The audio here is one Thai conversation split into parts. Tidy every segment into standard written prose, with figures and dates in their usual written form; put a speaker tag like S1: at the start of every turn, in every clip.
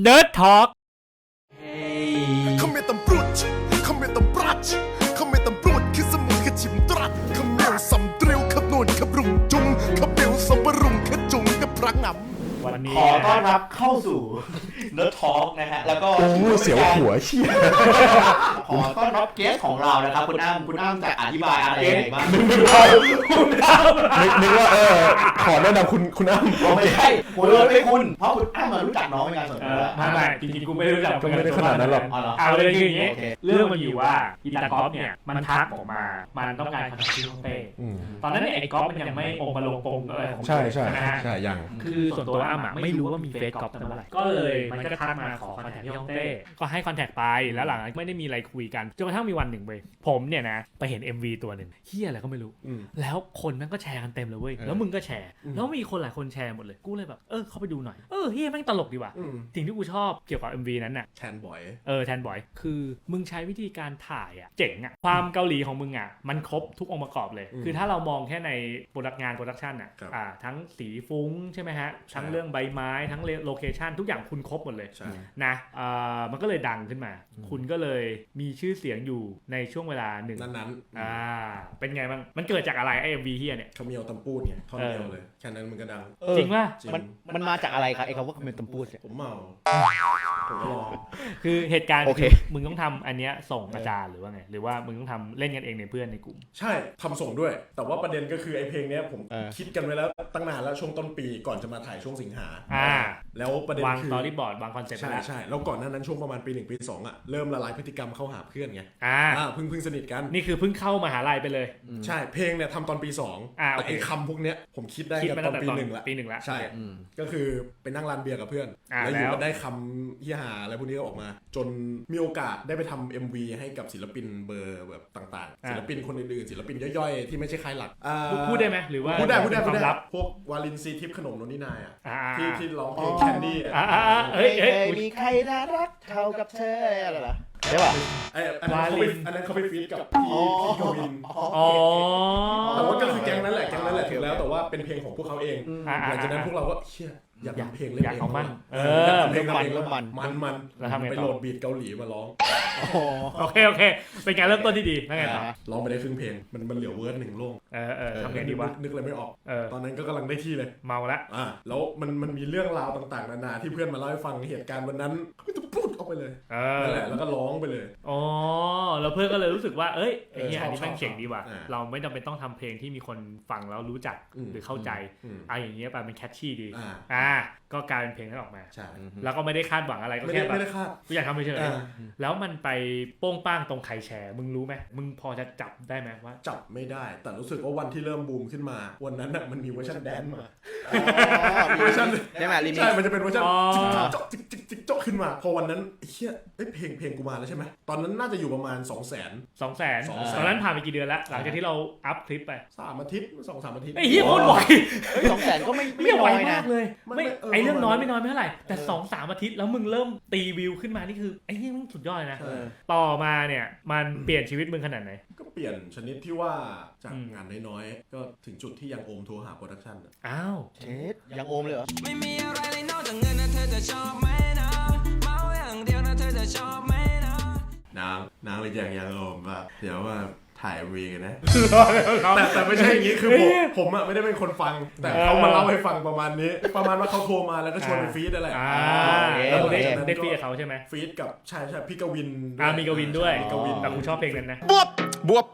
S1: Nerd Talk
S2: Kometam brut, kometam brach, kometam brut คือสมุนขจิมตรัสขมเมียวสำเตรียวขบนวนขบรุงจุงขบเปียวสำบรุงขจุงกับพระงำ
S1: วันนี้
S3: ขอต้อนรับเข้าสู่ Nerd Talk นะฮะแล้วก็
S2: เสียวหัวเชี่ย
S3: ขอต้อนรับเกสของเรานะครับคุณอ้ำจะอธิบายอะไรยังไงบ้าง
S2: นึกว่าขอแนะนำคุณอ้ำ
S3: ไม่ใช่ผมเลยไม่คุณเพราะคุณอ้ำมารู้จักน้องเป็นการส่วนตัว
S1: ไม่จริงๆกูไม่รู้จัก
S2: ก็ไม่ได้ขนาดนั้นหรอก
S1: เอาเลยคืออย่างนี้เรื่องมันอยู่ว่าอีตาก๊อฟเนี่ยมันทักออกมามันต้องการคอนแทคที่ฮ่องเต้ตอนนั้นเนี่ยไอ้ก๊อฟมันยังไม่องค์มาลงปงอะไรของ
S2: ใช่ใช่
S1: นะฮะ
S2: ใช่ยัง
S1: คือส่วนตัวอ้ำไม่รู้ว่ามีเฟซก๊อฟตั้งเมื่อไหร่ก็เลยมันก็ทักมาขอคอนแทคที่ฮ่องเต้ก็ให้คอนแทคไปแล้วหลังไม่ได้มีอะไรคุยกันจนกระทั่งมีวันหนึ่งเว้ยผมเนี่ยนะไปเห็น MV ตัวหนึ่งเฮียอะไรก็ไม่รู้แล้วคนแม่งก็แชร์กันเต็มเลยเว้ยแล้วมึงก็แชร์แล้วมีคนหลายคนแชร์หมดเลยกูเลยแบบเข้าไปดูหน่อยเฮียแม่งตลกดีว่ะสิ่งที่กูชอบเกี่ยวกับ MV นั้นน่ะ
S2: แทนบ่อย
S1: แทนบ่อยคือมึงใช้วิธีการถ่ายอ่ะเจ๋งอ่ะความเกาหลีของมึงอ่ะมันครบทุกองค์ประกอบเลยคือถ้าเรามองแค่ในโปรดักชั่นอ่ะทั้งสีฟุ้งใช่ไหมฮะทั้งเรื่องใบไม้ทั้งโลเคชั่นทุกอย่างคุณครบหมดเลยนะมันก็เลยดังขึ้นมาคุณก็เลยมีชื่อเสียงอยู่ในช่วงเวลาหนึ่ง
S2: นั้น
S1: เป็นไงบ้างมันเกิดจากอะไรไอ้ MV เฮียเนี่ย
S2: เขาเมียวตำปูดไงท่อนเดียวเลยแค่นั้นมันก็ดัง
S1: จริงป่ะ
S3: มันมาจากอะไรครับไอ้คำว่าคอมเมนต์ตำปูด
S2: ผมเมาผมรอ
S1: คือเหตุการณ์มึงต้องทำอันเนี้ยส่งอาจารย์หรือว่าไงหรือว่ามึงต้องทำเล่นกันเองในเพื่อนในกลุ่ม
S2: ใช่ทำส่งด้วยแต่ว่าประเด็นก็คือไอ้เพลงเนี้ยผมคิดกันไว้แล้วตั้งนานแล้วช่วงต้นปีก่อนจะมาถ่ายช่วงสิงหาแล้วประเด็นคือ
S1: วางสตอรี่บอร์ดวางคอนเซ็ปต์
S2: ใช่แล้วก่อนหน้านั้นช่วงประมาณปี1ปี2อ่ะเริ่มละลายพฤติกรรมเข้าหาเพื่อนไงเพิ่งสนิทกัน
S1: นี่คือเพิ่งเข้ามหาลัยไปเลย
S2: ใช่เพลงเนี่ยทำตอนปี2แต่ไอ้คำพวกเนี้ยผมคิดได้กันตอนปี1ละใช่ก็คือไปนั่งร้านเบียร์กับเพื่อนแล้วอยู่ก็ได้คำเหี้ยหาอะไรพวกนี้ก็ออกมาจนมีโอกาสได้ไปทำ MV ให้กับศิลปินเบอร์แบบต่างๆศิลปินคนอื่นๆศิลปินย่อยๆที่ไม่ใช่ค่ายหลัก
S1: พูดได้ไหมหรือว่า
S2: พูดได้พวกวาลินซีทิพย์ขนมโนนนี่นายที่ร้องเพลงแคนดี้
S3: มีใครน่ารักเท่ากับเธออะไรล่ะใช่ป่ะ
S2: อันนั้นเขาไปฟีดกับพี่กวินแต่ว่าก็คือแก๊งนั้นแหละถึงแล้วแต่ว่าเป็นเพลงของพวกเขาเองหลังจากนั้นพวกเราก็เชื่ออยากทำเพลงเล่นเอง
S3: เพลง
S2: มันไปโหลดบีทเกาหลีมาร้อง
S1: โอเคเป็นการเริ่มต้นที่ดีนั่นไงต่อ
S2: ร้องไปได้ครึ่งเพลงมันเหลือเวิร์ด1โล่ง
S1: ทำไงดีวะ
S2: นึกอะไรไม่ออกตอนนั้นก็กำลังได้ที่เลย
S1: เมาละ
S2: แล้วมันมีเรื่องราวต่างๆนานาที่เพื่อนมาเล่าให้ฟังเหตุการณ์วันนั้นก็จะพูดออกไปเลยนั่นแหละแล้วก็ร้องไปเลย
S1: แล้วเพื่อนก็เลยรู้สึกว่าไอ้เหี้ยอันนี้แม่งเจ๋งดีว่ะเราไม่จำเป็นต้องทำเพลงที่มีคนฟังแล้วรู้จักหรือเข้าใจอย่างเงี้ยไปมันแคชชี่ดีก็กลายเป็นเพลงนั้นออกมาแล้วก็ไม่ได้คาดหวังอะไรก็แค่แบบกูอยากทำเฉยๆแล้วมันไปโป้งป้างตรงใครแชร์มึงรู้ไหมมึงพอจะจับได้ไหมว่า
S2: จับไม่ได้แต่รู้สึกว่าวันที่เริ่มบูมขึ้นมาวันนั้นน่ะมันมีเวอร์ชันแดนซ์มา
S3: เวอร์ชันใช่ไหม
S2: ใช่มันจะเป็นเวอร์ชันจิ๊กจ๊อกขึ้นมาพอวันนั้นเฮียเพลงกูมาแล้วใช่ไหมตอนนั้นน่าจะอยู่ประมาณ 200,000
S1: ตอนนั้นผ่านไปกี่เดือนแล้วหลังจากที่เราอัพคลิปไป
S2: 3 อาทิตย์ 2-3 อาทิตย์
S1: ไอ้เหี้ยโคตรบ่อย
S3: 200,000ก็ไม่น้อยนะ
S1: เลยไม่ไอเรื่องน้อยไม่เท่าไหร่แต่ 2-3 อาทิตย์แล้วมึงเริ่มตีวิวขึ้นมานี่คือไอ้เหี้ยมึงสุดยอดเลยนะต่อมาเนี่ยมันเปลี่ยนชีวิตมึงขนาดไหน
S2: ก็เปลี่ยนชนิดที่ว่าจากงานน้อยๆก็ถึงจุดที่ยังโอมโทรหาโปรดักชั่น
S3: เช็ดยังโอมเลยเหรอ
S4: ไม่มีอะไรเลยนอกจากเงินนะเธอจะชอบไหมนะเมาอย่างเดียวนะเธอจะชอบไหมนะ
S2: นางเลยยังโอมว่าเดี๋ยวว่าถ่ายวีกันนะแต่ไม่ใช่อย่างนี้คือผมอ่ะไม่ได้เป็นคนฟังแต่เขามาเล่าให้ฟังประมาณนี้ประมาณว่าเขาโทรมาแล้วก็ชวนไปฟีดอะไร
S1: แล้วได้ฟีดกับเขาใช่ไหม
S2: ฟีดกับใช่พี่กวิน
S1: มีกวินด้วยแต่กูชอบเพลงนั้นนะ
S2: บว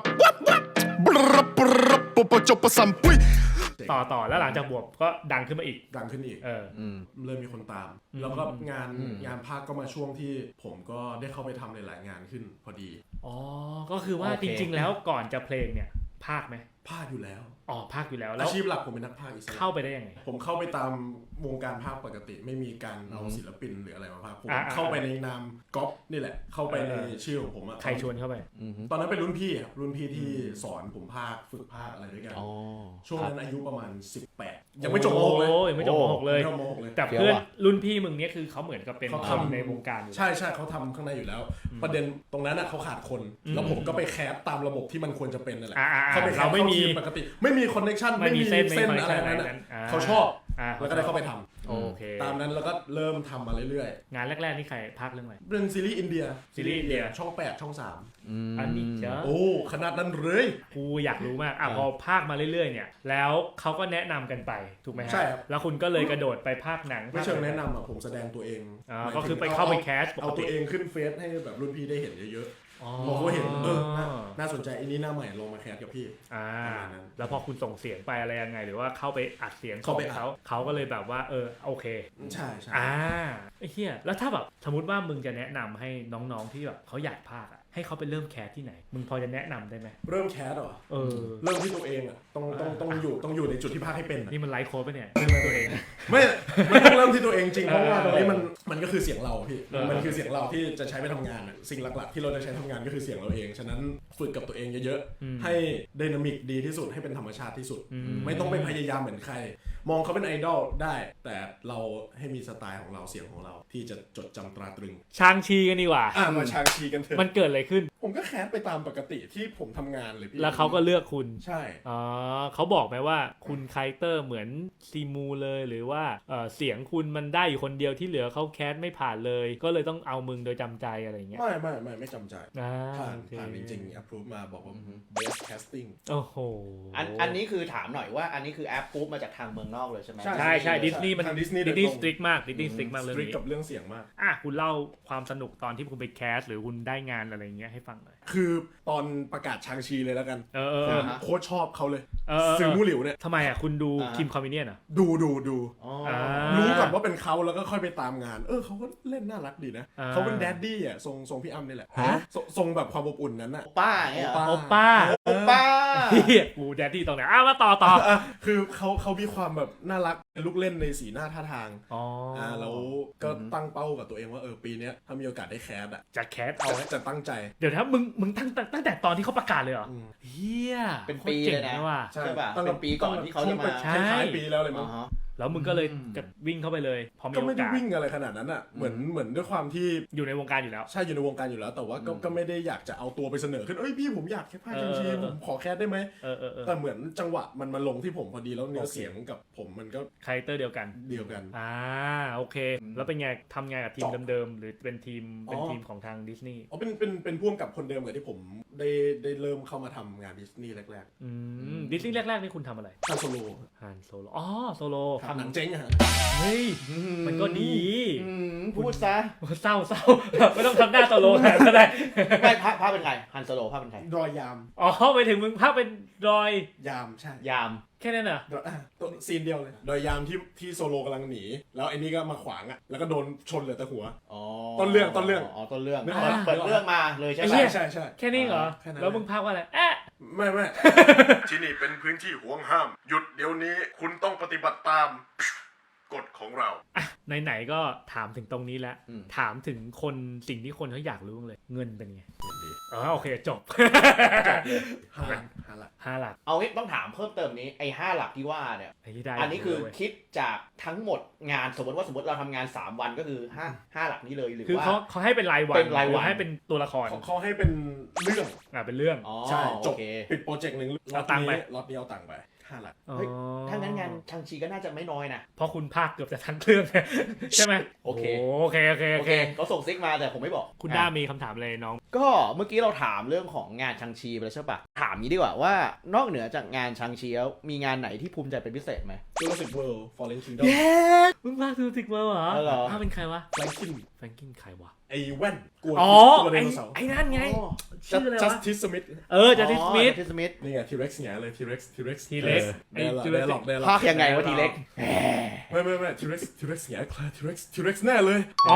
S2: บจบประสัมปุ้ย
S1: ต่อแล้วหลังจากบวบก็ดังขึ้นมาอีก
S2: เริ่มมีคนตามแล้วก็งานภาคก็มาช่วงที่ผมก็ได้เข้าไปทำหลายๆงานขึ้นพอดี
S1: ก็คือว่าจริงๆแล้วก่อนจะเพลงเนี่ยภาคไหม
S2: ภาคอยู่แล้ว
S1: ภาคอยู่แล้ว
S2: อาชีพหลักผมเป็นนักพากย์อิสระ
S1: เข้าไปได้ยังไง
S2: ผมเข้าไปตามวงการภาคปกติไม่มีการเอาศิลปินหรืออะไรมาพากย์ผมเข้าไปในนามก๊อปนี่แหละเข้าไปในชื่อของผม
S1: ใครชวนเข้าไป
S2: ตอนนั้นเป็นรุ่นพี่ที่สอนผมภาคฝึกภาคอะไรด้วยกันช่วงนั้นอายุประมาณ18ยังไม่จบม.6เลย
S1: ยังไม่จบม.6เลยแต่เพื่อนรุ่นพี่มึงเนี่ยคือเขาเหมือนกับเป็นเขาทำในวงการ
S2: ใช่เขาทำข้างในอยู่แล้วประเด็นตรงนั้นเขาขาดคนแล้วผมก็ไปแคปตามระบบที่มันควรจะเป็นนั่นแหละ
S1: เราไม่มี
S2: ปกติไม่มีคอนเนคชั่นไม่มีเส้นอะไรนั้นเขาชอบแล้วก็ได้เข้าไปทำ
S1: โอเคเค
S2: ตามนั้นแล้วก็เริ่มทำมาเรื่อย
S1: ๆงานแรกๆนี่ใครภาคเรื่องอะไร
S2: เป็นซีรีส์อินเดียช่อง 8 ช่อง 3
S1: อันนี้เจ้า
S2: โอ้ขนาดนั้นเลย
S1: กูอยากรู้มากพอภาคมาเรื่อยๆเนี่ยแล้วเขาก็แนะนำกันไปถูกไหมฮะ
S2: ใช่ครับ
S1: แล้วคุณก็เลยกระโดดไปภาคหนัง
S2: ไม่เชิงแนะนำผมแสดงตัวเอง
S1: ก็คือไปเข้าไปแคส
S2: เอาตัวเองขึ้นเฟซให้แบบรุ่นพี่ได้เห็นเยอะๆพอเขาเห็นน่าสนใจอันนี้หน้าใหม่ลงมาแคสกับพี่
S1: แล้วพอคุณส่งเสียงไปอะไรยังไงหรือว่าเข้าไปอัดเสียงของเขาก็เลยแบบว่าโอเค
S2: ใช่
S1: ไอ้เหี้ยแล้วถ้าแบบสมมติว่ามึงจะแนะนำให้น้องๆที่แบบเขาอยากพากย์ให้เขาไปเริ่มแคสที่ไหนมึงพอจะแนะนำได้ไหม
S2: เริ่มแคสเหรอเริ่มที่ตัวเองต้องอยู่ในจุดที่พากย์ให้เป็น
S1: นี่มันไลฟ์โค้ดป่ะเนี่ยตัวเอง
S2: ไม่ต้องเริ่มที่ตัวเองจริงเพราะว่าตรงนี้มันก็คือเสียงเราพี่มันคือเสียงเราที่จะใช้ไปทำงานสิ่งหลักๆที่เราจะใช้ทำงานก็คือเสียงเราเองฉะนั้นฝึกกับตัวเองเยอะๆให้ไดนามิกดีที่สุดให้เป็นธรรมชาติที่สุดไม่ต้องไปพยายามเหมือนใครมองเขาเป็นไอดอลได้แต่เราให้มีสไตล์ของเราเสียงของเราที่จะจดจำตราตรึง
S1: ชางชีกันดีกว่า
S2: มาชางชีกันเถอะ
S1: มันเกิดอะไรขึ้น
S2: ผมก็แคสไปตามปกติที่ผมทำงานเลยพี่
S1: แล้วเขาก็เลือกคุณ
S2: ใช่
S1: เขาบอกไหมว่าคุณคาแรคเตอร์เหมือนซีมูเลยหรือว่าเสียงคุณมันได้อยู่คนเดียวที่เหลือเขาแคสไม่ผ่านเลยก็เลยต้องเอามึงโดยจำใจอะไรเงี้ย
S2: ไม่จำใจผ่านจริงๆ approve มาบอกว่า best casting
S1: โอ้โห
S3: อันนี้คือถามหน่อยว่าอันนี้คือ approve มาจากทางเมืองนอกเลยใช่ไหม
S1: ใช่ดิสนีย์มันดิสนีย์สตริกมากดิสนีย์สตริกมากเลย
S2: กับเรื่องเสียงมาก
S1: คุณเล่าความสนุกตอนที่คุณไปแคสหรือคุณได้งานอะไรเงี้ยให้ฟังหน่อย
S2: คือตอนประกาศชางชีเลยแล้วกันโค้ชชอบเขาเลยซึงมู่หลิวเนี่ย
S1: ทำไมคุณดูคิมคอมมิเนียนอ่ะ
S2: ดูรู้ก่อนว่าเป็นเขาแล้วก็ค่อยไปตามงานเขาก็เล่นน่ารักดีนะเขาเป็นแดดดี้อ่ะทรงพี่อ้ำนี่แหละทรงแบบความอบอุ่นนั้นน่ะ
S3: ป้า
S1: โอป้ากูแดดดี้ตรงไหนมาต่อ
S2: คือเขามีความแบบน่ารักลูกเล่นในสีหน้าท่าทางแล้วก็ตั้งเป้ากับตัวเองว่าปีนี้ถ้ามีโอกาสได้แคส
S1: จะแคสเอา
S2: จะตั้งใจ
S1: เดี๋ยวถ้ามึงตั้งแต่ตอนที่เขาประกาศเลยเหรอเฮีย
S3: เป็นปีเลยนะ
S2: ใช่
S3: ป่ะเป็นปีก่อนที่เขาจะมา
S2: ใช่ปีแล้วเลยมั้ง
S1: แล้วมึงก็เลยวิ่งเข้าไปเลยพอมีโอกาส
S2: ก็ไม่ได้วิ่งอะไรขนาดนั้นอ่ะเหมือนด้วยความที่
S1: อยู่ในวงการอยู่แล้ว
S2: ใช่อยู่ในวงการอยู่แล้วแต่ว่าก็ไม่ได้อยากจะเอาตัวไปเสนอขึ้นพี่ผมอยากแค่พากย์จริงๆผมขอแคสได้ไหมแต่เหมือนจังหวะมันมาลงที่ผมพอดีแล้วเนื้อเสียงกับผมมันก็
S1: คาแรคเตอร์เดียวกันโอเคแล้วเป็นไงทำงานกับทีมเดิมๆหรือเป็นทีมของทางดิสนีย์
S2: เป็นพ่วงกับคนเดิมกับที่ผมได้เริ่มเข้ามาทำงานดิสนีย์แรก
S1: ๆดิสนีย์แรกๆนี่คุณทำอะไร
S2: ฮันโซโล
S1: โซโล
S2: ทำหนังเจ๊งอะ
S1: เฮ้ยมันก็ดี
S3: พูดซะ
S1: เศร้าไม่ต้องทำหน้าโซโลแทนก็ได้
S3: ไม่ภาพเป็นใครฮันโซโลภาพเป็นใคร
S2: รอยยาม
S1: ไปถึงมึงภาพเป็นรอย
S2: ยามใช่
S3: ยาม
S1: แค่นั้นเหรอ
S2: ตัวซีนเดียวเลยรอยยามที่โซโลกำลังหนีแล้วไอ้นี่ก็มาขวางอ่ะแล้วก็โดนชนเหลือแต่หัวต้นเรื่อง
S3: ต้นเรื่องเปิดเรื่องมาเลยใช่ไหม
S2: ใช่
S1: แค่นี้เหรอแล้วมึงภาพว่าอะไร
S2: ไม่ที่นี่เป็นพื้นที่ห่วงห้ามหยุดเดี๋ยวนี้คุณต้องปฏิบัติตามกฎของเรา
S1: ไหนๆก็ถามถึงตรงนี้แล้วถามถึงสิ่งที่คนเขาอยากรู้เลยเงินเป็นไงโอเคจบ5 หลัก
S3: เอางี้ต้องถามเพิ่มเติมนี้ไอ้5 หลักที่ว่าเนี่ยอันนี้คือคิดจากทั้งหมดงานสมมติเราทำงาน3 วันก็คือ5 หลักนี้เลยหรือว่า
S1: เขาให้เป็นรายวันให้เป็นตัวละคร
S2: เขาให้เป็นเรื่อง
S1: เป็นเรื่อง
S2: ใช่จบปิดโปรเจกต์นึง
S1: เอาตังค์ไป
S2: รอบนี้เอาตังค์ไป5 หลัก
S3: ถ้างั้นงานชางชีก็น่าจะไม่น้อยนะ
S1: เพราะคุณภาคเกือบจะทั้งเรื่องใช่ไหม
S3: โอเคเขาส่งซิกมาแต่ผมไม่บอก
S1: คุณด้ามีคำถามเลยน้อง
S3: ก็เมื่อกี้เราถามเรื่องของงานชางชีไปแล้วใช่ปะถามนี้ดีกว่าว่านอกเหนือจากงานชางชีแล้วมีงานไหนที่ภูมิใจเป็นพิเศษไหม
S2: Jurassic World Fallen Kingdom
S1: มึงภาค Jurassic World เหรอภาคเป็นใครวะแฟรงกินใครวะ
S2: ไอ้แว่น
S1: กลัวไดโนเสาร์ไอ้นั่นไงชื่ออะไรวะ
S2: Justice Smith
S1: Justice Smith
S2: นี่ไง T-Rex เนี่ยเลย T-Rex
S1: ไอ้
S3: ภาคยังไงวะ T-Rex
S2: ไม่ T-Rex เนี่ย T-Rex แน่เลย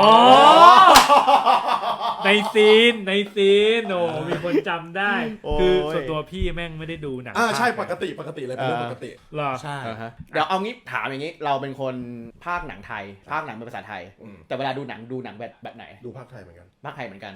S1: ในซีนมีคนจำได้คือส่วนตัวพี่แม่งไม่ได้ดูหนัง
S2: ใช่ปกติเลยเป็นเรื่องปกติ
S1: หรอ
S2: ใช่
S3: เดี๋ยวเอางี้ถามอย่างงี้เราเป็นคนภาคหนังไทยภาคหนังเป็นภาษาไทยแต่เวลาดูหนังแบบไหน
S2: ดูภาคไทยเหมือนกัน
S3: ภาคไทยเหมือนกัน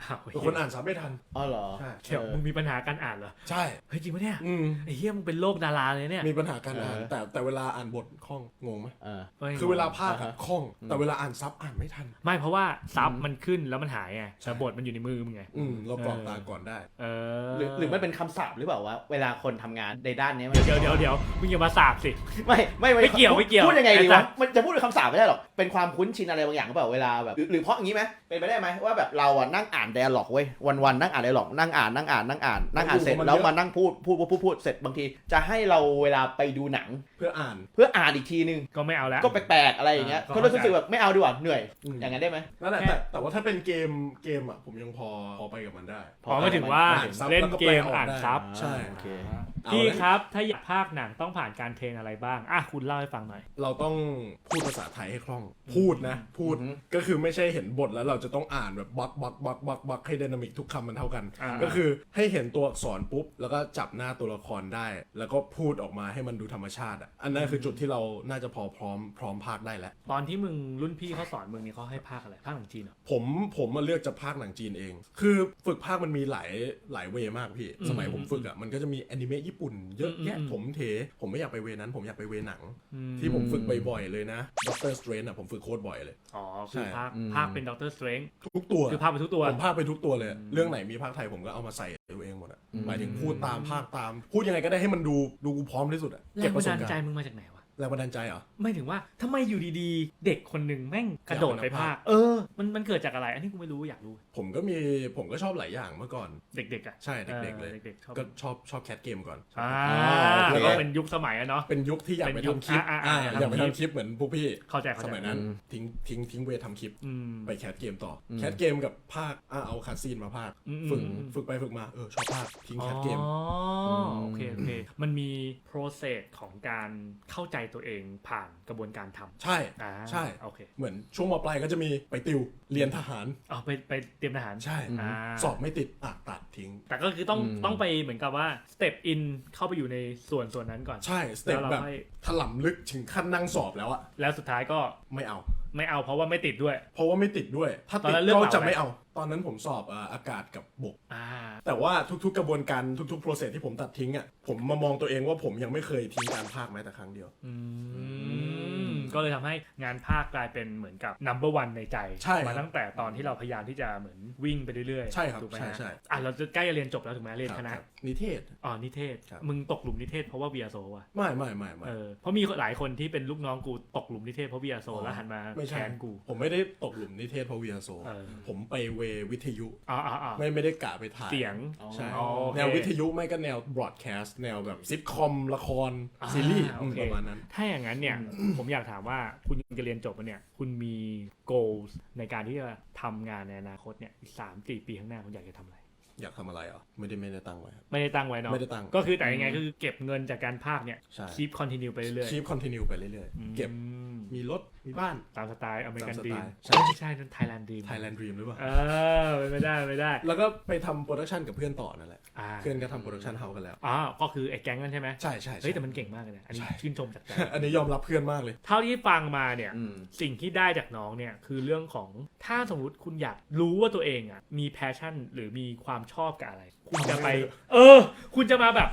S2: คนอ่านซับไม่ทัน
S3: อ๋อเหรอ
S1: เดี๋ยวมึงมีปัญหาการอ่านเหรอ
S2: ใช่
S1: เฮ้ยจริงปะเนี่ยไอ้เหี้ยมึงเป็นโรคดาราเลยเนี่ย
S2: มีปัญหาการอ่านแต่เวลาอ่านบทคล่องงงไหมคือเวลาภาคคล่องแต่เวลาอ่านซับอ่านไม่ทัน
S1: ไม่เพราะว่าซับมันขึ้นแล้วมันหายไงแต่บทมันอยู่ในมือมึงไง
S2: เรากรอกตาก่อนได้
S3: หรือมันเป็นคำศัพท์หรือเปล่าว่าเวลาคนทำงานในด้านนี้
S1: เดี๋ยวมึงอย่ามาสาบสิ
S3: ไม่
S1: เกี่ยว
S3: พูดยังไงดีวะมันจะพูดเป็นคำศัพท์ไม่ได้หรอกเป็นความคุ้นชินอะไรบางอย่างหรือเปล่าเวลาแบบหรือเพราะอย่างนี้ไหมเป็นไปได้ไหมว่าแบบเราอ่ะนั่งอ่านไดอะล็อกเว้ยวันนั่งอ่านไดอะล็อกนั่งอ่านเสร็จแล้วมานั่งพูดเสร็จบางทีจะให้เราเวลาไปดูหนัง
S2: เพื่ออ่
S3: านอีกทีนึง
S1: ก็ไม่เอาแล้ว
S3: ก็แปลกๆอะไรอย่างเงี้ยก็รู้สึกแบบไม่เอาดีกว่าเหนื่อยอย่างนั้นได้ไหม
S2: นั่นแหละแต่ว่าถ้าเป็นเกมอ่ะผมยังพอไปกับมันได้
S1: พอไม่ถึงว่าเล่นเกมอ่านซับ
S2: ใช่
S1: พี่ครับถ้าอยากพากย์หนังต้องผ่านการเทรนอะไรบ้างคุณเล่าให้ฟังหน่อย
S2: เราต้องพูดภาษาไทยให้คล่องพูดก็คือไม่ใช่เห็นบทแล้วเราจะต้องอ่านแบบบักให้ไดนามิกทุกคำมันเท่ากันก็คือให้เห็นตัวอักษรปุ๊บแล้วก็จับหน้าตัวละครได้แล้วก็พูดออกมาให้มันดูธรรมชาติอันนั้นคือจุดที่เราน่าจะพร้อมพากได้แล้ว
S1: ตอนที่มึงรุ่นพี่เขาสอนมึงนี่เขาให้พากอะไรพากหนังจีนเหรอ
S2: ผมมาเลือกจะพากหนังจีนเองคือฝึกพากมันมีหลายเวมากพี่สมัยผมฝึกมันก็จะมีแอนิเมะญี่ปุ่นเยอะแยะผมไม่อยากไปเวนั้นผมอยากไปเวหนังที่ผมฝึกบ่อยๆเลยนะด็อกเตอร์สเตรนจ์ผมฝึกโคตรบ่อยเลย
S1: คือพากเป็นด็อกเตอร์สเตรนจ์
S2: ทุกตัว
S1: คือพากไปทุกตัว
S2: ผมพากไปทุกตัวเลยเรื่องไหนมีพากไทยผมก็เอามาใส่ตัวเองหมดหมายถึงพูดตามพากตามพูดยังไงก็ได้ให้มันดูกูพร้อมที่สุด
S1: เก็บประสบการณ์ใจมึงมาจากไหนวะ
S2: แรงบันดาลใจเหรอ
S1: ไม่ถึงว่าทำไมอยู่ดีๆเด็กคนหนึ่งแม่งกระโดดไปพากมันเกิดจากอะไรอันนี้กูไม่รู้อยากรู้
S2: ผมก็ชอบหลายอย่างเมื่อก่อน
S1: เด็กๆอ่ะ
S2: ใช่เด็กๆเลยก็ชอบแคทเกมก่อน
S1: แล้วก็เป็นยุคสมัยเนาะ
S2: เป็นยุคที่อยากไปทำคลิปอยากไปทำคลิปเหมือนพวกพี่
S1: เข้าใจ
S2: สมัยนั้นทิ้งเวททำคลิปไปแคทเกมต่อแคทเกมกับภาคเอาคาซีนมาภาคฝึกไปฝึกมาชอบภาคทิ้งแคทเกม
S1: โอเคมันมี process ของการเข้าใจตัวเองผ่านกระบวนการทำ
S2: ใช่
S1: โอเค
S2: เหมือนช่วงม.ปลายก็จะมีไปติวเรียนทหาร
S1: ไปเตรียมทหาร
S2: ใช่สอบไม่ติดตัดทิ้ง
S1: แต่ก็คือต้องไปเหมือนกับว่า step in เข้าไปอยู่ในส่วนนั้นก่อน
S2: ใช่ step แบบถล่ำลึกถึงขั้นนั่งสอบแล้วอะ
S1: แล้วสุดท้ายก็
S2: ไม่เอา
S1: เพราะว่าไม่ติดด้วย
S2: ถ้าติดก็จะไม่เอาตอนนั้นผมสอบอากาศกับบกแต่ว่าทุกๆกระบวนการทุกๆ process ที่ผมตัดทิ้งอ่ะผมมามองตัวเองว่าผมยังไม่เคยทิ้งการพากย์แม้แต่ครั้งเดียว
S1: ก็เลยทำให้งานพากย์กลายเป็นเหมือนกับ number one ในใจมาตั้งแต่ตอนที่เราพยายามที่จะเหมือนวิ่งไปเรื่อย
S2: ๆใช่ครับถูกไหมใช่
S1: เราจะใกล้จะเรียนจบแล้วถูกไหมเรียนคณะ
S2: นิเทศ
S1: นิเทศมึงตกหลุมนิเทศเพราะว่า VSO ว่ะ
S2: ไม่
S1: เพราะมีหลายคนที่เป็นลูกน้องกูตกหลุมนิเทศเพราะ VSO แล้วหันมาแทนกู
S2: ผมไม่ได้ตกหลุมนิเทศเพราะ VSO ผมไปเววิทยุไม่ได้กะไปถ่าย
S1: เสียง
S2: ใช่แนววิทยุไม่ก็แนวบล็อดแคสต์แนวแบบซิทคอมละครซีรีส์ประมาณนั้น
S1: ถ้าอย่างนั้นเนี่ยผมอยากถามว่าคุณจะเรียนจบเนี่ยคุณมี goals ในการที่จะทำงานในอนาคตเนี่ยอีก 3-4 ปีข้างหน้าคุณอยากจะทำอะไร
S2: อยากทำอะไรไม่ได้ตั้งไว้
S1: ไม่ได้ตั้งไว้เนาะก็คือแต่ยังไงคือเก็บเงินจากการพากย์เนี่ย keep continue ไปเรื่อย
S2: ๆ keep continue ไปเรื่อยๆเก็บมีรถมีบ้าน
S1: ตามสไตล์อเมริกันดรีมใช่นั่น Thailand
S2: Dream หรือเปล่า
S1: ไม่ได้
S2: แล้วก็ไปทำโปรดักชันกับเพื่อนต่อนั่นแหละเพื่อนก็ทำโปรดักชันเฮากันแล้ว
S1: ก็คือไอ้แก๊งนั่นใช่ไหม
S2: ใช่
S1: เฮ้ยแต่มันเก่งมากเลยนะอันนี้ชื่นชมจากใจ
S2: อันนี้ยอมรับเพื่อนมากเลย
S1: เท่าที่ฟังมาเนี่ยสิ่งที่ได้จากน้องเนี่ยคือเรื่องของถ้าสมมติคุณอยากรู้ว่าตัวเองมีแพชชั่นหรือมีความชอบกับอะไรคุณจะไปคุณจะมาแบบ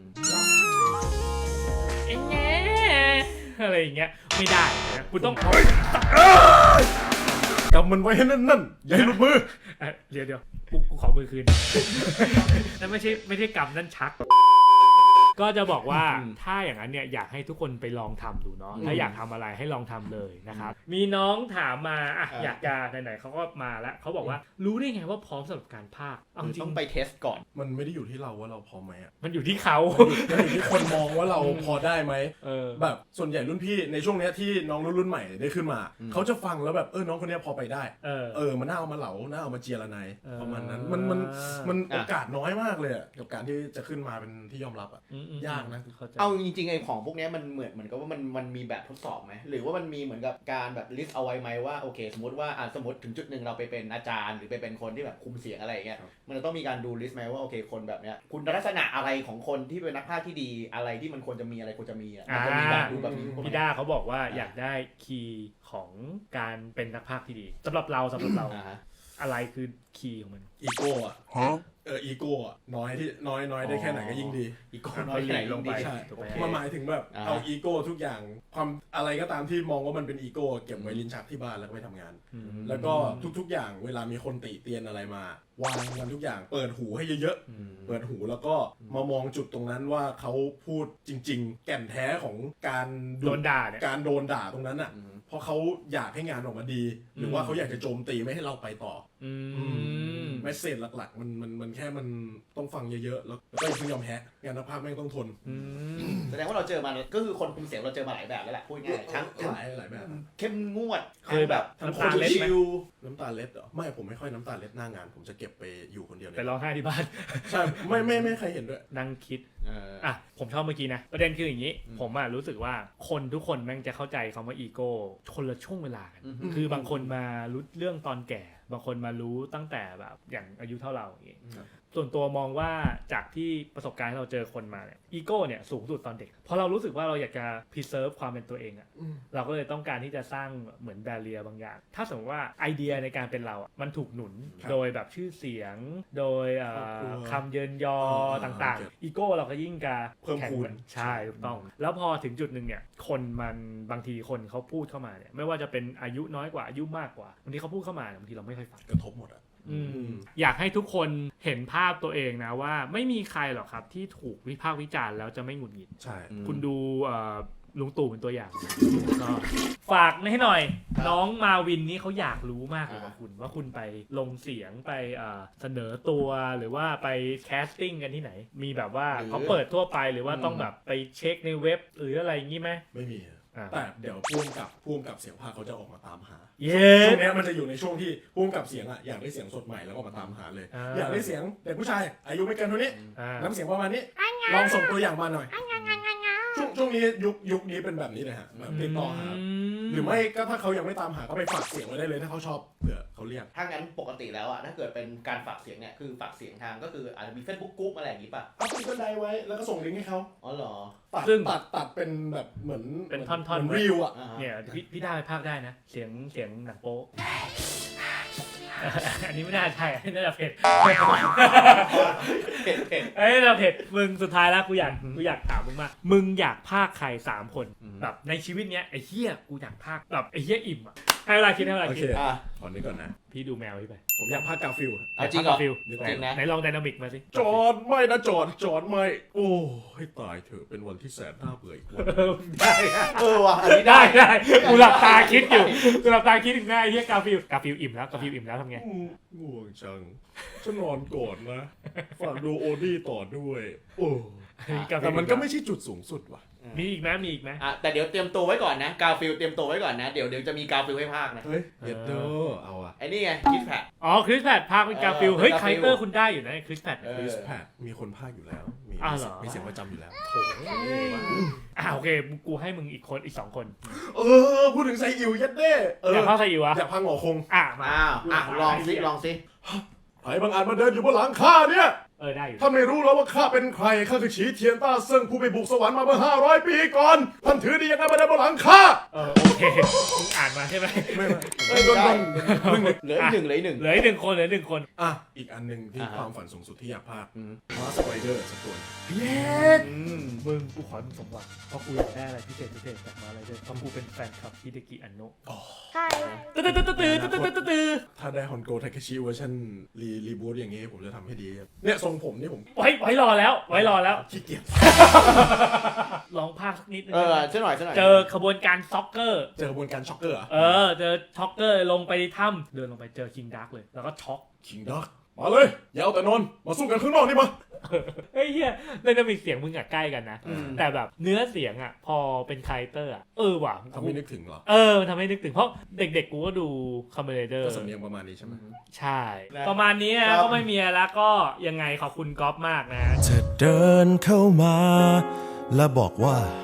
S1: อะไรอย่างเงี้ยไม่ได้นะคุณต้อง
S2: กำมันไว้ให้นั่นอย่าให้หลุดมือ
S1: เดี๋ยวกูขอมือคืนนั่นไม่ใช่กำนั่นชักก็จะบอกว่าถ้าอย่างนั้นเนี่ยอยากให้ทุกคนไปลองทำดูเนาะถ้าอยากทำอะไรให้ลองทำเลยนะครับมีน้องถามมาอยากจะไหนๆเขาก็มาแล้วเขาบอกว่ารู้ได้ไงว่าพร้อมสำหรับการพากย์
S3: ต้องไปเทสก่อน
S2: มันไม่ได้อยู่ที่เราว่าเราพร้อมไหม
S1: มันอยู่ที่เขา
S2: มันอยู่ที่คนมองว่าเราพอได้ไหมแบบส่วนใหญ่รุ่นพี่ในช่วงนี้ที่น้องรุ่นใหม่ได้ขึ้นมาเขาจะฟังแล้วแบบน้องคนนี้พอไปได้มันน่าเอามาเหลาน่าเอามาเจียระไนประมาณนั้นมันโอกาสน้อยมากเลยกับการที่จะขึ้นมาเป็นที่ยอมรับยากนะ
S3: เอาจริงๆไอ้ของพวกนี้มันเหมือนกับว่ามันมีแบบทดสอบไหมหรือว่ามันมีเหมือนกับการแบบลิสต์เอาไว้ไหมว่าโอเคสมมติว่าสมมติถึงจุดหนึ่งเราไปเป็นอาจารย์หรือไปเป็นคนที่แบบคุมเสียงอะไรอย่างเงี้ยมันจะต้องมีการดูลิสต์ไหมว่าโอเคคนแบบเนี้ยคุณลักษณะอะไรของคนที่เป็นนักพากย์ที่ดีอะไรที่มันควรจะมีอะไรควรจะมีมันจะมีแบบดูแบบนี้
S1: พี่ด้าเขาบอกว่าอยากได้คีย์ของการเป็นนักพากย์ที่ดีสำหรับเราอะไรคือคีย์ของมัน
S2: อีโก้อะอีโก้อะน้อยได้แค่ไหนก็ยิ่งดี
S3: อีโก้น้อยแค่ไหนลงไป
S2: ใช่มันหมายถึงแบบเอาอีโก้ทุกอย่างความอะไรก็ตามที่มองว่ามันเป็นอีโก้เก็บไว้ลิ้นชักที่บ้านแล้วก็ไปทำงานแล้วก็ทุกๆอย่างเวลามีคนติเตียนอะไรมาวางมันทุกอย่างเปิดหูให้เยอะๆเปิดหูแล้วก็มามองจุดตรงนั้นว่าเขาพูดจริงๆแก่นแท้ของการ
S1: โดนด่าเนี่ย
S2: การโดนด่าตรงนั้นอ่ะเพราะเขาอยากให้งานออกมาดีหรือว่าเขาอยากจะโจมตีไม่ให้เราไปต่อเมสเสจหลักๆมันแค่มันต้องฟังเยอะๆแล้วก็อย่าเพิ่งยอมแพ้งานภาพแม่งต้องทน
S3: แสดงว่าเราเจอมาก็คือคนคุมเสียงเราเจอมาหลายแบบแล้วแหละพูดง่ายทั้ง
S2: หลายแบบ
S3: เข้มงวด
S1: เคยแบบ
S2: น้ำตาเล็ดไหมน้ำตาเล็ดเหรอไม่ผมไม่ค่อยน้ำตาเล็ดหน้างานผมจะเก็บไปอยู่คนเดียวเลย
S1: ไปร้องไห้ที่บ้าน
S2: ใช่ไม่ใครเห็นด้วย
S1: นั่งคิดผมชอบเมื่อกี้นะประเด็นคืออย่างนี้ผมรู้สึกว่าคนทุกคนแม่งจะเข้าใจคำว่าอีโก้คนละช่วงเวลากันคือบางคนมารู้เรื่องตอนแก่บางคนมารู้ตั้งแต่แบบอย่างอายุเท่าเราอย่างงี้ส่วนตัวมองว่าจากที่ประสบการณ์ที่เราเจอคนมาเนี่ยอีโก้เนี่ยสูงสุดตอนเด็กเพราะเรารู้สึกว่าเราอยากจะ preserve ความเป็นตัวเองอ่ะเราก็เลยต้องการที่จะสร้างเหมือน barrier บางอย่างถ้าสมมติว่าไอเดียในการเป็นเรามันถูกหนุนโดยแบบชื่อเสียงโดยคำเยินยอต่างๆอีโก้เราก็ยิ่งจะ
S2: เพิ่มพูน
S1: ใช่ถูกต้องแล้วพอถึงจุดนึงเนี่ยคนมันบางทีคนเขาพูดเข้ามาเนี่ยไม่ว่าจะเป็นอายุน้อยกว่าอายุมากกว่าบางทีเขาพูดเข้ามาบางทีเราไม่ค่อยฟัง
S2: กระทบหมดอ่ะ
S1: อยากให้ทุกคนเห็นภาพตัวเองนะว่าไม่มีใครหรอกครับที่ถูกวิพากษ์วิจารณ์แล้วจะไม่หงุดหงิด
S2: ใช่
S1: คุณดูลุงตู่เป็นตัวอย่างก็ฝากให้หน่อยน้องมาวินนี่เขาอยากรู้มากเลยว่าคุณไปลงเสียงไปเสนอตัวหรือว่าไปแคสติ้งกันที่ไหนมีแบบว่าเขาเปิดทั่วไปหรือว่าต้องแบบไปเช็คในเว็บหรืออะไรอย่างงี้ไหม
S2: ไม่มีแต่เดี๋ยวพ่วงกับเสียงภาคเขาจะออกมาตามหา
S1: ช่
S2: วงนี้มันจะอยู่ในช่วงที่พ่วงกับเสียงอ่ะอยากได้เสียงสดใหม่แล้วก็มาตามหาเลยอยากได้เสียงเด็กผู้ชายอายุไม่เกินเท่านี้น้ำเสียงประมาณนี้ลองส่งตัวอย่างมาหน่อยช่วงนี้ยุคนี้เป็นแบบนี้เลยฮะแบบติดต่อหาหรือไม่ก็ถ้าเขายังไม่ตามหาก็ไปฝากเสียงไว้ได้เลยถ้าเขาชอบเผื่อเขาเรียก
S3: ถ้างั้นปกติแล้วอ่ะถ้าเกิดเป็นการฝากเสียงเนี่ยคือฝากเสียงทางก็คืออาจจะมี Facebook กรุ๊ปอะไรอย่างงี้ป่ะ
S2: เอาขึ้นบันไดไว้แล้วก็ส่งลิงก์ให้เขา
S3: อ๋อเหรอ
S2: ตัดเป็นแบบเหมือน
S1: เป็นท่อน
S2: ๆรีวอ่ะ
S1: เนี่ยพี่ได้ภาคได้นะเสียงหนังโป๊อันนี้ไม่น่าใช่น่าจะเผ็ดเอ้ยเราเผ็ดมึงสุดท้ายแล้วกูอยากถามมึงมากมึงอยากพากใคร3คนแบบในชีวิตเนี้ยไอ้เหี้ยกูอยากพากแบบไอ้เหี้ยอิ่มอ่ะให้เวลาคิด
S2: ขอนึกก่อนนะ
S1: พี่ดูแมวพี่ไป
S2: ผมอยากพากกาฟิล
S3: จริงเหรอ
S1: จริงนะไหนลองไดนามิกมาสิ
S2: จอดไม่นะจอดไม่โอ้ให้ตายเถอะเป็นวันที่แสนน่าเบื่ออีกวัน
S1: ได้
S3: ว่ะอันนี้ได้
S1: กูหลับตาคิดอยู่กูหลับตาคิดถึงหน้าไอ้เหี้ยกาฟิลอิ่มแล้วทำไง
S2: ง่วงจังฉันนอนก่อนนะฝากดูโอดี้ต่อด้วยโอ้แต่มันก็ไม่ใช่จุดสูงสุดว่ะ
S1: มีอีกไหม
S3: แต่เดี๋ยวเตรียมตัวไว้ก่อนนะกาฟิลเตรียมตัวไว้ก่อนนะเดี๋ยวจะมีกาฟิลให้พากนะ
S2: เฮ้ยเย็ดโดเอาอะ
S3: ไอ้นี่ไงคริสแพท
S1: คริสแพทพากเป็นกาฟิลเฮ้ยไคเตอร์คุณได้อยู่นะคริสแพท
S2: มีคนพากอยู่แล้วมีเสียงประจำอยู่แล้ว
S1: โอเคกูให้มึงอีก2คน
S2: พูดถึงไซอิวยัดเด้
S1: อยากพากไซอิว
S2: อยากพากหงอคง
S3: มาลองสิ
S2: ใครบางอาจมาเดินอยู่บนหลังข้าเนี่ย
S1: ได้อยู่
S2: ท่านไม่รู้แล้วว่าข้าเป็นใครข้าคือฉีเทียนต้าเซิงผู้ไปบุกสวรรค์มาเมื่อ500 ปีก่อนท่านถือดียังไงมาเดินบนหลังข้า
S1: โอเคมึงอ่านมาใช่ไหม
S3: ไม่เหลือ1
S1: คน
S2: อีกอันนึงที่ความฝันสูงสุดที่อยากพากมาสไปเดอร์สักตัว
S1: มึงกูขอมึงสมหวังเพราะกูอยากได้อะไรพิเศษจากมาอะไรด้วยเพราะกูเป็นแฟนคลับฮิเดกิอันโนะ
S5: ใช่
S2: ถ้าได้ฮอนโกไทเคชิเวอร์ชันรีบูทอย่างงี้ผมจะทำให้ดีเนี่ยทรงผมนี่ผม
S1: ไว้รอแล้ว
S2: ขี้เกียจ
S1: ลองพากสักนิดนึง
S3: ช่วยหน่อย
S1: เจอขบวนการซ็อกเกอร์
S2: เจอขบวนการช็อกเกอร์
S1: เจอช็อกเกอร์ลงไปในถ้ำเดินลงไปเจอคิงดาร์กเลยแล้วก็ช็อก
S2: คิงดาร์กมาเลยอย่าเอาแต่นอนมาสู้กันข้างนอกนี่มา
S1: เฮ้ยเฮียไดนามิกเสียงมึงอะใกล้กันนะแต่แบบเนื้อเสียงอะพอเป็นไคเตอร์อะว่ะ
S2: ทำให้นึกถึงเหรอ
S1: ทำให้นึกถึงเพราะเด็กๆกูก็ดูคอมเมดี้เดอร์
S2: ก็สำเนียงประมาณนี้ใช่ไหม
S1: ใช่ประมาณนี้นะก็ไม่มีแล้วก็ยังไงขอบคุณก๊อฟมากนะ
S6: เธอเดินเข้ามาและบอกว่า